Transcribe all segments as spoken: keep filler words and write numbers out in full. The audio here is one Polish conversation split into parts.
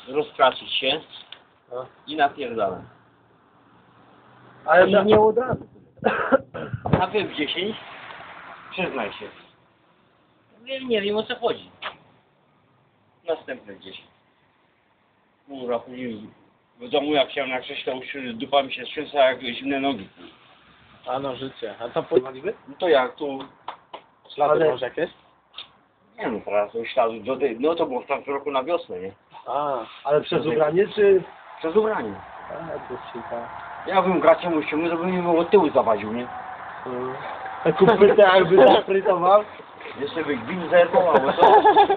rozkraczyć się no. I napierdalam. Ale nie, nie od razu. A wy w dziesięć? Przyznaj się. Nie, nie wiem o co chodzi. Następne dziesięć. Kurwa, później w domu jak chciałem na krześle usiąść, dupa mi się trzęsła jak zimne nogi. A no życie. A co porwaliby? No to jak tu... Ślady Ale... może jakieś? Nie no, teraz to śladu do tej... No to było w tamtym roku na wiosnę, nie? A, ale przez ubranie czy... Przez ubranie. A, to się Ja bym gracie mu ściągnął, to bym mi od tyłu zawadził, nie? Hmm. A kupytę jakby zafrytował? Jeszcze by gwin zerwał, albo co?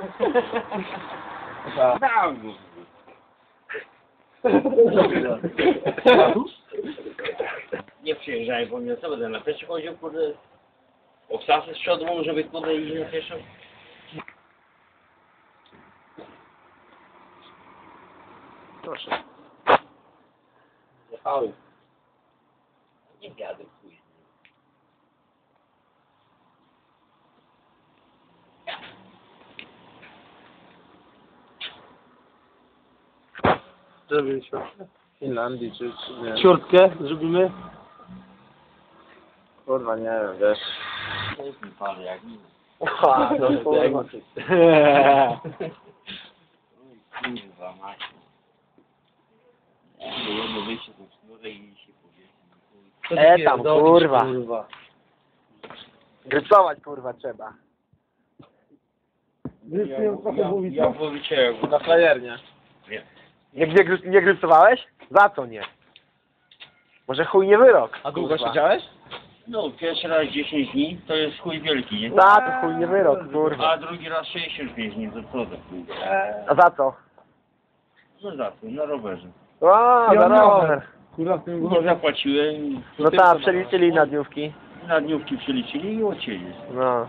Tak. Tak. Nie przyjeżdżałem po mnie, co będę na pieszo chodził, kurde. Obsasy z przodu, żeby kurde iść na pieszo. Proszę. Jechały. Nie wiadę, chuj. Zrobiliśmy. W Finlandii czy, czy nie? Ciurtkę zrobimy? Kurwa, nie wiem, wiesz. To jest mi pan jak nic. Aha, no kurwa. Kurwa, macie. Jedno wyjście tą sznurę i się powiesi. E tam, kurwa. kurwa. Grycować, kurwa, trzeba. Ja, ja, ja powiedziałem. Na frajernie. Nie. Nie, nie, gry, nie grycowałeś? Za co nie? Może chuj nie wyrok. A długo siedziałeś? No, pierwszy raz dziesięć dni, to jest chuj wielki, nie? Za to chuj nie wyrok, kurwa. A drugi raz sześćdziesiąt pięć dni, to co za chuj? A za co? No za co, na rowerze. O, za rower. Kurwa, w tym nie zapłaciłem. No tak, przeliczyli na dniówki. Na dniówki przeliczyli i odcięli. No.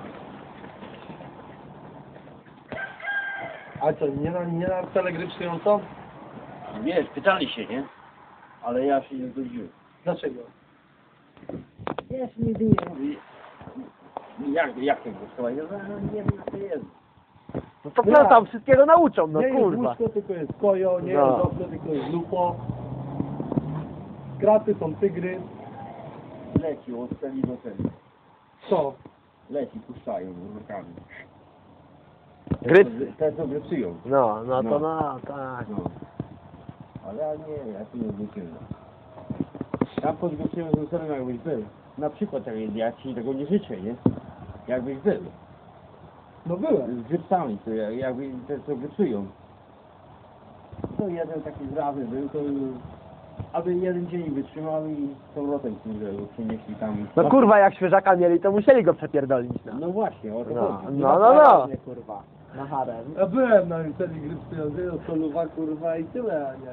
A co, nie na, nie na wcale gry przyjącą? Nie, pytali się, nie? Ale ja się nie zgodziłem. Dlaczego? Ja się nigdy nie mówię. Jak, jak to głosować? Ja nie wiem, jak to jest. No to co tam, wszystkiego nauczą, no nie jest kurwa. łóżko, tylko jest kojo, nie No. jest okno, tylko jest lupo. Kraty są tygry. Leci od celi do celi. Co? Leci, puszczają rukami. Grycy. Te co grycują. No, no to No. no, tak. No. Ale ja nie, ja tu nie grycuję. Ja podgrycuję z celem jakbyś był. Na przykład jak ja ci tego nie życzę, nie? Jakbyś był. No byłem. Z grypsami, to ja- jakby te co grycują. To jeden taki zrazy był, to aby jeden dzień wytrzymał i z powrotem kurde przynieśli tam. No kurwa, jak świeżaka mieli, to musieli go przepierdolić, no. No właśnie, o to No, chodzi. no, no, no. kurwa. Na harem. Ja byłem na celi gry przyjącej, od Soluwa kurwa i tyle, a nie.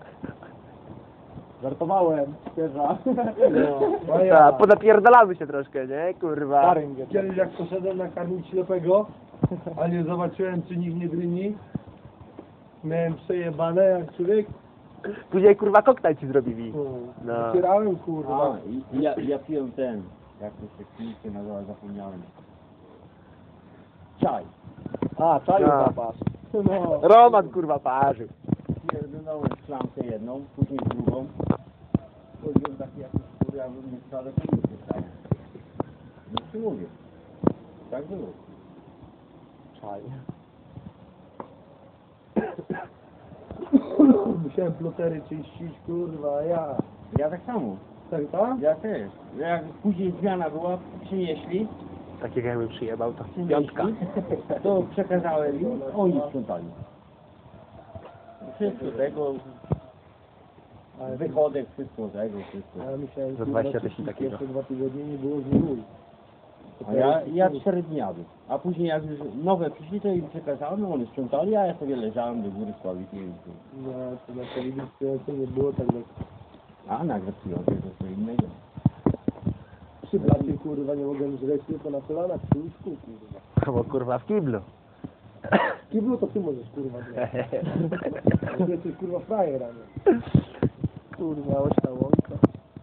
Żartowałem, świeża. No, a Tak, ja. ponapierdalamy się troszkę, nie, kurwa. Kiedyś jak poszedłem nakarmić ślepego, a nie zobaczyłem czy nikt nie dryni. Miałem przejebane jak człowiek. Później kurwa koktajl ci zrobili. No. No. Otwierałem kurwa. A, i ja, ja piłem ten, jak to się klinikę nazywa, zapomniałem. Czaj. A, czaju No. zapas. No. Roman kurwa parzył. Pierdolałem szklankę jedną, później drugą. Chodziłem taki jakiś skóry, ja bym nie wcale klinikę stał. No ci mówię. Tak było. Czaj. Musiałem plotery czyścić, kurwa, a ja. Ja tak samo. Tak, tak? Ja też. Jak później zmiana była, przynieśli, Takiego jakby przyjebał, to przynieśli piątka. to przekazałem im, oni sprzątali. Wszystko tego, wychodek, wszystko tego, wszystko. A ja myślałem, Za kurwa, dwadzieścia że tysięcy takiego. pierwsze dwa tygodnie nie było z nim. A ja, ja cztery dni jadłem. A później jak już nowe przyszli, to im przekazałem, no oni sprzątali, a ja sobie leżałem do góry sławikiem. No, to na telewizji nie było tak jak A na gratulującej to co innego. przy blacie, kurwa, nie mogłem żreć tylko na kolanach przy łóżku, kurwa. Bo kurwa w kiblu. W kiblu to ty możesz, kurwa, grać. Ty jesteś, kurwa, frajer, a nie. Kurwa, ośna łąka.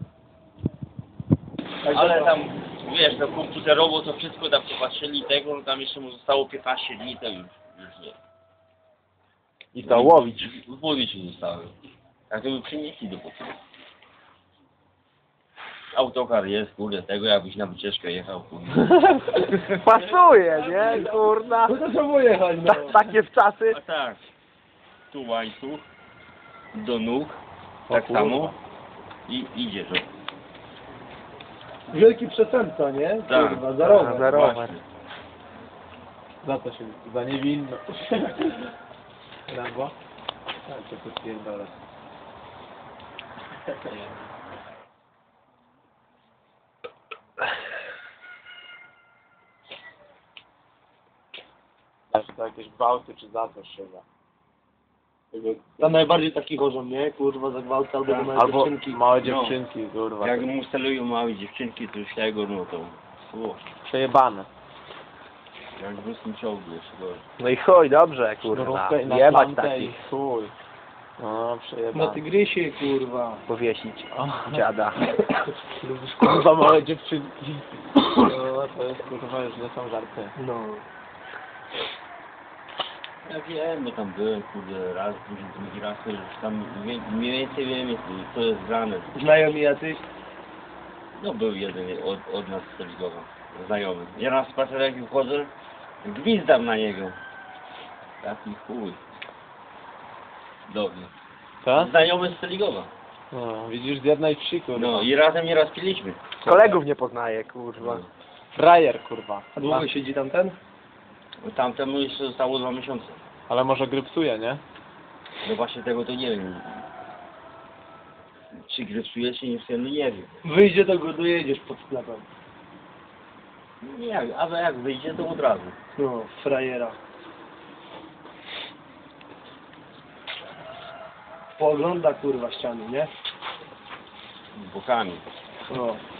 Ale tam, wiesz, no komputerowo to wszystko tam popatrzyli tego, no tam jeszcze mu zostało piętnaście dni, to już, już nie. I to łowić. W głowie ci zostały. Jak to by przynieśli do pokoju. Autokar jest, kurde, tego jakbyś na wycieczkę jechał, kurde. Pasuje, nie? Kurna. No to trzeba jechać, no. Ta, takie w czasy. A tak, tu łańcuch, do nóg, O tak kurwa. samo i idzie to. Wielki przestępca, nie? Tak. Kurwa, za rower. Za rower. Właśnie. Za to się, za niewinno. Rambo? Tak, to to pierdolę. Znaczy to jakieś gwałty czy za coś chyba. Tam najbardziej taki chorzą, nie? Kurwa, za gwałt albo za małe Albo dziewczynki. małe No. dziewczynki, kurwa. Jak mu stelują małe dziewczynki, to już tego, no to... O, Przejebane. jak w ruskim czołgu jeszcze gorzej. No i chuj, dobrze, kurwa. Sznurówkę i na Jebać klamkę i takich. chuj. No, Na przejebane. tygrysie, kurwa. Powiesić. Dziada. Lubisz kurwa małe dziewczynki. No, to jest kurwa już nie są żarty. No. Ja wiem, bo tam byłem, kurde, raz, drugi, drugi raz, to już tam wie- mniej więcej wiem, co jest grane. Znajomi jacyś? No był jeden od, od nas z Stoligowa, znajomy. Ja na spacerek wchodzę, gwizdam na niego. Taki chuj. Dobry. Co? Znajomy z Stoligowa. No, widzisz z jednej wsi kurwa. No i razem nieraz piliśmy. Kolegów nie poznaję, kurwa. Frajer kurwa. A długo siedzi tam ten? Bo tamtemu jeszcze zostało dwa miesiące. Ale może grypsuje, nie? No właśnie tego to nie wiem. Czy grypsuje, czy nie, no nie wiem. Wyjdzie, to go dojedziesz pod sklepem. Nie wiem, ale jak wyjdzie, to od razu. No, frajera. Poogląda kurwa ściany, nie? Bokami. No.